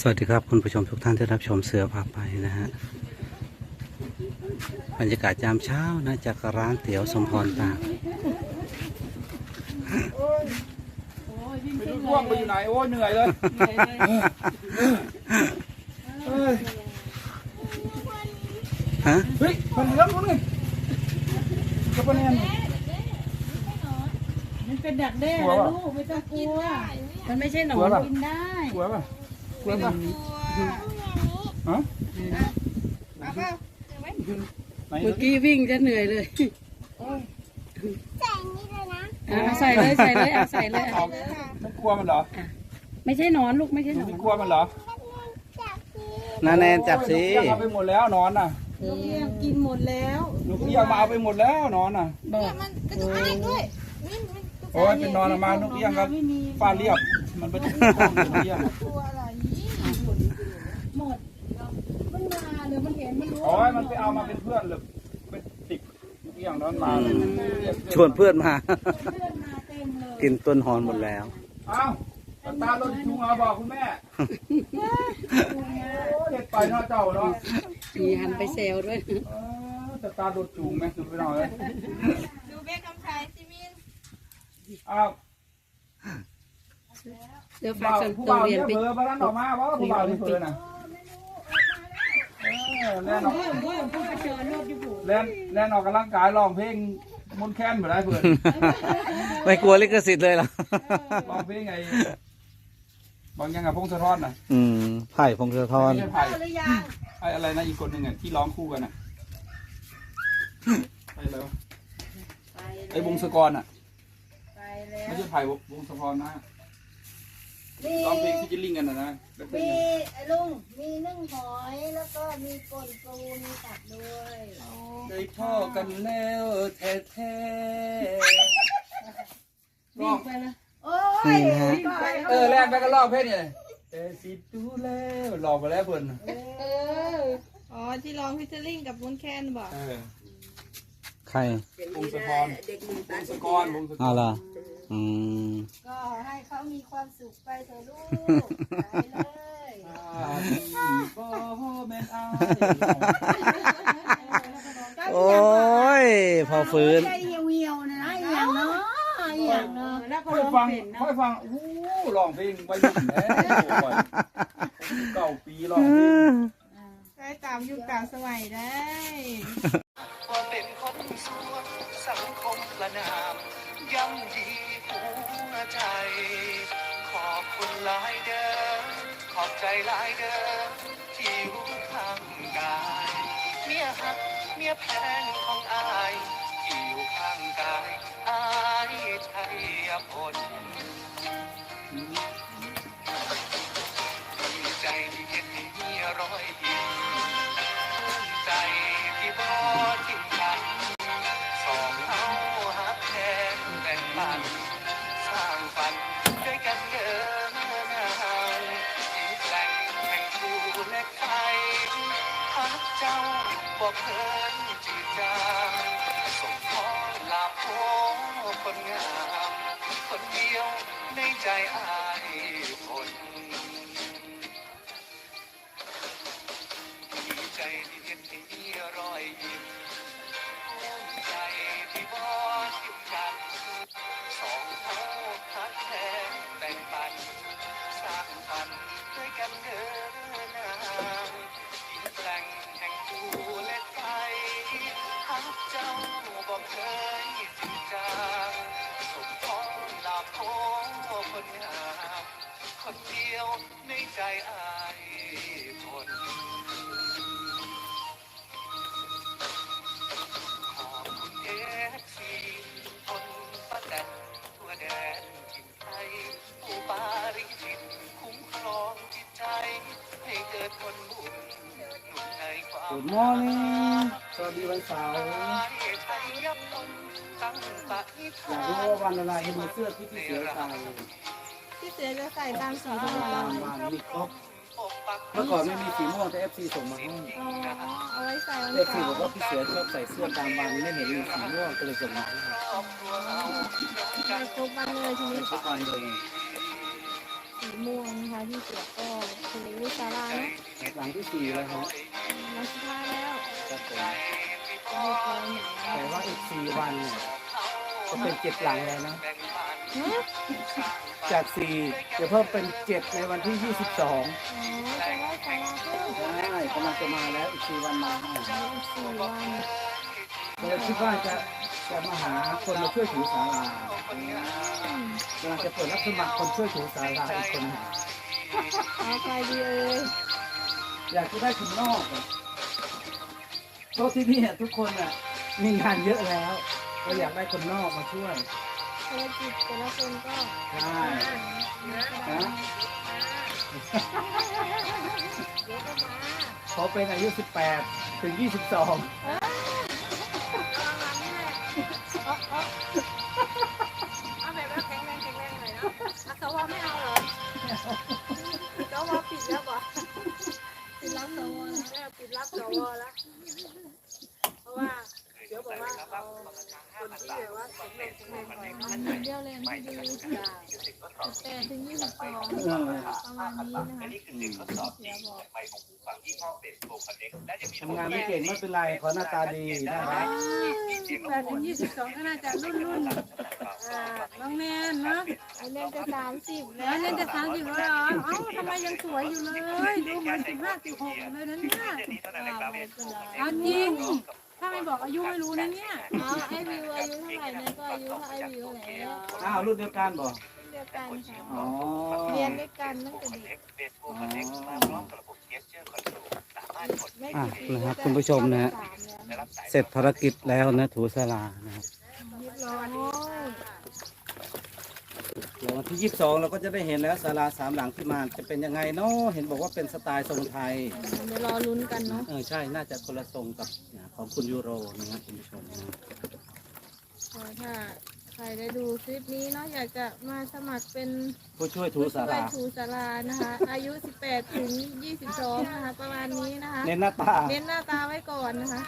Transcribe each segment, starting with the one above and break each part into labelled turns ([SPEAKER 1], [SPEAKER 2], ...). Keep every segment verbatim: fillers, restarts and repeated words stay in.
[SPEAKER 1] วัสดีครับคุณผู้ชมทุกท่านที่รับชมเสือพาไปนะฮะบรรยากาศยามเช้านะจากร้านเตี๋ยวสมพรตาก
[SPEAKER 2] ไม่รู้ร่วงไปอยู่ไหนโอ้ยเหนื่อยเลย
[SPEAKER 1] ฮะ
[SPEAKER 2] เฮ้ยคนเลี้ยงคนนึงจะเป็นยังไง
[SPEAKER 3] มันเป็นดักแด้นะลูกไม่ต้องกลัวมันไม่ใช่หนอนกินได้
[SPEAKER 2] กลัวป่ะกลัวป่ะฮะ
[SPEAKER 3] เมื่อกี้วิ่งจะเหนื่อยเลย
[SPEAKER 4] ใส่นี่เลยนะ
[SPEAKER 3] ใส่เลยใส่เลยใส่เลย
[SPEAKER 2] ไม่กลัวมันเหรอ
[SPEAKER 3] ไม่ใช่หนอนลูกไม่ใช่หนอน
[SPEAKER 2] ไม่กลัวมันเหรอ
[SPEAKER 1] นาแนนจับสิ
[SPEAKER 2] เอาไปหมดแล้วนอนน่ะ
[SPEAKER 3] นกเอี้ยงกินหมดแล้ว
[SPEAKER 2] นกเอี้ยงมาเอาไปหมดแล้วนอนน่ะ
[SPEAKER 4] เนี่ยมันกระตุกอะไรด้วย
[SPEAKER 2] โอ้ยเป็นนอนมานกเอี้ยงครับฟาเรียบมันเป็นนกเอี้ยง
[SPEAKER 4] ตัวอะไร
[SPEAKER 3] หมดมันมาหรือมันเห็นมันรู้
[SPEAKER 2] โอ้ยมันไปเอามาเป็นเพื่อนหรือเป็นติดนกเอี้ยงนอนมา
[SPEAKER 1] ชวนเพื่อนมากินต้นหอนหมดแล้ว
[SPEAKER 2] อ้าวตาลดจุงเอาบอกคุณแม่เด็ดไปเนาะเจ้าเนาะ
[SPEAKER 3] มีหันไปเซลด้วย
[SPEAKER 2] แต่ตาลดจุงไหมสุดไปหน่อยเลย
[SPEAKER 4] ดูเบ๊กคำชายซิมิน
[SPEAKER 2] อ้าว
[SPEAKER 3] เดี๋ยวฝากส่ง
[SPEAKER 2] ผู้
[SPEAKER 3] ตัว
[SPEAKER 2] บ่าว
[SPEAKER 3] เรียนไป
[SPEAKER 2] เนี่ยเผลอมาแล้วออกมาว่าผู้บ่าวนี่เผลอน่ะแล่นออกแล่นแล่นออกกำลังกายร้องเพลงมนต์แค้นเหมือนไรเพื่อน
[SPEAKER 1] ไม่กลัวลิขสิทธิ์เลยหรอ
[SPEAKER 2] ร้องเพลงไงบางยังกับพงศธรน่ะ
[SPEAKER 1] อืมไผ่พงศธร
[SPEAKER 2] ไม่ใช่ไผ่ไอ้อะไรนะอีกคนหนึ่งอ่ะที่ร้องคู่กันอ่ะไอ้แล้วไอ้วงศกรอ่ะไม่ใช่ไผ่วงศกรนะร้องเพลงที่จะลิงกันนะนะ
[SPEAKER 4] มีไอ้ลุงมีนึ่งหอยแล้วก็มีป่นปูมีตับด้วย
[SPEAKER 2] ได้พ่อกันแล้วแท้แท้
[SPEAKER 3] วิ่งไปแล้ว
[SPEAKER 4] โอ้ย
[SPEAKER 2] เออแรกไปก็ร้องเพลงนี่แต่สิดูแล้วหลอกไปแล้วเพิ่น
[SPEAKER 4] เอออ๋อที่ร้องพิเทอริ่งกับวุ้นแคนบอก
[SPEAKER 1] ใคร
[SPEAKER 2] วงศกรวงศกรวงศกร
[SPEAKER 1] เอาล่ะอืม
[SPEAKER 4] ก็ให้เขามีความสุขไปเถอะลูกไปเลย
[SPEAKER 2] พ่อแม่อ้า
[SPEAKER 1] โอ้ยพอฟื้น
[SPEAKER 4] ใจเหี่ยวๆนะอย่างเนาะอย่างเนาะ
[SPEAKER 3] แล้วก็
[SPEAKER 2] ค่อย
[SPEAKER 3] ร้อง
[SPEAKER 2] ฟัง
[SPEAKER 3] เพลงนะ
[SPEAKER 2] ค่อยฟังโอ้ร้องเพลงไว้ยุ่งแน่เก้าปีร้องเพลง
[SPEAKER 4] ได้ตามยุคตามสมัยได้
[SPEAKER 5] ว่าเป็นคนสวนสังคมประนามย่ำยีหัวใจขอบคุณหลายเด้อขอบใจหลายเด้อที่รู้ข้างกายเมียหักเมียแพงของอายที่อยู่ข้างกายอายชัยพลดีใจที่เห็นมีรอยยิ้มภูมิใจที่บ่ทิ้งกันสองเฮาหักแทนแบ่งปันสร้างฝันด้วยกันเดินทางที่แปลงแห่งภูเหล็กไฟหักเจ้าบอกเพิ่นจืดจางส่งขอลาโพคนงามคนเดียวในใจอายคนดีใจที่เห็นที่มีรอยยิ้มภูมิใจที่บ่ทิ้งกันสองเฮาหักแทนแบ่งปันสร้างฝันด้วยกันเดินทางที่แปลงแห่งภูเหล็กไฟหักเจ้าบอกเคยจริงจังส่งขอลาโพคนงามคนเดียวในใจอายคนขอบคุณเอฟซีคนป้าแตนทั่วแดนถิ่นไทยผู้ปาริจิตคุ้มครองจิตใจให้เกิดผลบุญหนุนในความ
[SPEAKER 2] Good morning สวัสดีวันเสาร์อยากรู้ว่าวันอะไรเห็นเสื้อที่พี่เสือใส่
[SPEAKER 4] พี่เสือจะใส่ตามสีทอง
[SPEAKER 2] ตามวันมีครบเมื่อก่อนไม่มีสีม่วงแต่ เอฟ ซี ส่งมาให้
[SPEAKER 4] เอาไว้ใส่
[SPEAKER 2] เอฟ ซี บอกว่าพี่เสือชอบใส่เสื้อตามวันไม่เห็นมีสีม่วงก็เลยส่งมาให้
[SPEAKER 4] ใส่ครบวันเลยทีนี้
[SPEAKER 2] ทุกวันเลย
[SPEAKER 4] สีม่วงนะคะพี่เสือก็เค
[SPEAKER 3] สี่วิศาลาเนาะ
[SPEAKER 1] หลังที่สี่แล้วครับ
[SPEAKER 3] มาสุดท้ายแล้ว
[SPEAKER 1] ครับผม
[SPEAKER 3] จะมีตัวไหน
[SPEAKER 1] แต่ว่าอีกสี่วันเนี่ยจะเป็นเจ็ดหลังแล้วนะ
[SPEAKER 3] ฮะ
[SPEAKER 1] จากสี่จะเพิ่มเป็นเจ็ดในวันที่ยี่สิบสอง
[SPEAKER 3] อ๋อจะได้ศาลาเพิ่ม
[SPEAKER 1] ใช่กำลังจะมาแล้วอีกสี่วันมาให้
[SPEAKER 3] อีกสี่วัน
[SPEAKER 1] เลยคิดว่าจะจะมาหาคนมาช่วยถูศาลา
[SPEAKER 3] อืม
[SPEAKER 1] กำลังจะเปิดรับสมัครคนช่วยถูศาลาอีกคนหนึ่ง
[SPEAKER 3] เอาใครดีเอ่ย
[SPEAKER 1] อยากจะได้คนนอกอะเพราะที่นี่ทุกคนอ่ะมีงานเยอะแล้วก็อยากได้คนนอกมาช่วย
[SPEAKER 3] ภารกิจแต่ละคนก็
[SPEAKER 1] ใช่นะเขาเป็นอายุสิบแปดถึงยี่สิบสอง
[SPEAKER 3] เอาแบบว่าแข็งแรงแข็งแรงหน่อยเนาะอาสวะไม่เอาเหรอสวปิดแล้วป่ะปิดรับสวแล้วปิดรับสวแล้วเพราะว่าเดี๋ยวบอกว่าเอาคนที่แบบว่าแข็งแรงแข็งแรงหน่อยเนาะเดียวแรงที่ดีสิบแปดถึงยี่สิบสองประมาณนี้นะคะเดี๋ยวบอก
[SPEAKER 1] ทำงานไม่เก่งไม่เป็นไรขอหน้าตาดีน่ารัก
[SPEAKER 3] แปดถึงยี่สิบสองก็น่าจะรุ่นรุ่นอ่าน้องแนนเนาะเล่นจะสามสิบแล้วเล่นจะสามสิบแล้วเหรอเอ้าทำไมยังสวยอยู่เลยดูเหมือนสิบห้าสิบหกเลยนะเนี่ยเอาจริงถ้าไม่บอกอายุไม่รู้นะเนี่ยอ๋อไอวิวอายุเท่าไหร่เนี่ยก็อายุเท่าไอวิวแล้ว
[SPEAKER 1] อ้าวรุ่นเดียวกันบ่
[SPEAKER 3] เดียวกันค่ะ
[SPEAKER 1] อ๋อ
[SPEAKER 3] เรียนด้วยกันตั้งแต่เด็กไม่
[SPEAKER 1] อ่ะ
[SPEAKER 3] กี่ปี
[SPEAKER 1] นะครับคุณผู้ชมนะฮะเสร็จภารกิจแล้วนะถูศาลานะครับ
[SPEAKER 3] เรียบร้อย
[SPEAKER 1] เดี๋ยววันที่ยี่สิบสองเราก็จะได้เห็นแล้วศาลาสามหลังที่มาจะเป็นยังไงเนาะเห็นบอกว่าเป็นสไตล์ทรงไทย
[SPEAKER 3] เดี๋ยวรอลุ้นกันเนาะ
[SPEAKER 1] เออใช่น่าจะคนละทรงกับของคุณยูโรนะครับคุณผู้ชมนะ
[SPEAKER 3] ถ้าใครได้ดูคลิปนี้เนาะอยากจะมาสมัครเป็น
[SPEAKER 1] ผู้ช่วยถูศา
[SPEAKER 3] ผู้ช่ว
[SPEAKER 1] ลาย
[SPEAKER 3] ถูศาลานะคะ อายุสิบแปดถึงยี่สิบสองนะคะประมาณนี้นะคะ
[SPEAKER 1] เน้นหน้าตา
[SPEAKER 3] เน้นหน้าตาไว้ก่อนนะคะ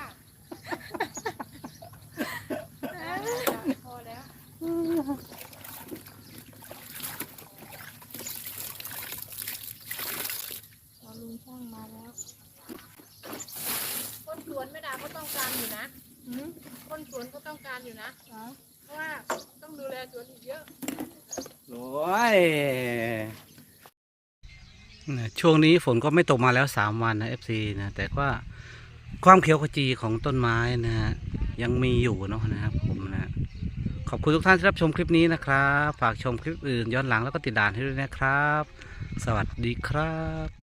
[SPEAKER 3] พอแล้วรอลุงช่างมาแล้ว
[SPEAKER 6] คนสวนไม่ด่าก็ต้องการอยู่นะ
[SPEAKER 3] หืม
[SPEAKER 6] คนสวนก็ต้องการอยู่นะ
[SPEAKER 3] อ๋อ
[SPEAKER 6] เพราะว่าต้องดูแลสวนอีกเยอะ
[SPEAKER 1] โอ้ยนะช่วงนี้ฝนก็ไม่ตกมาแล้วสามวันนะเอฟซีนะแต่ว่าความเขียวขจีของต้นไม้นะฮะยังมีอยู่เนาะนะครับผมนะขอบคุณทุกท่านที่รับชมคลิปนี้นะครับฝากชมคลิปอื่นย้อนหลังแล้วก็ติดด่านให้ด้วยนะครับ สวัสดีครับ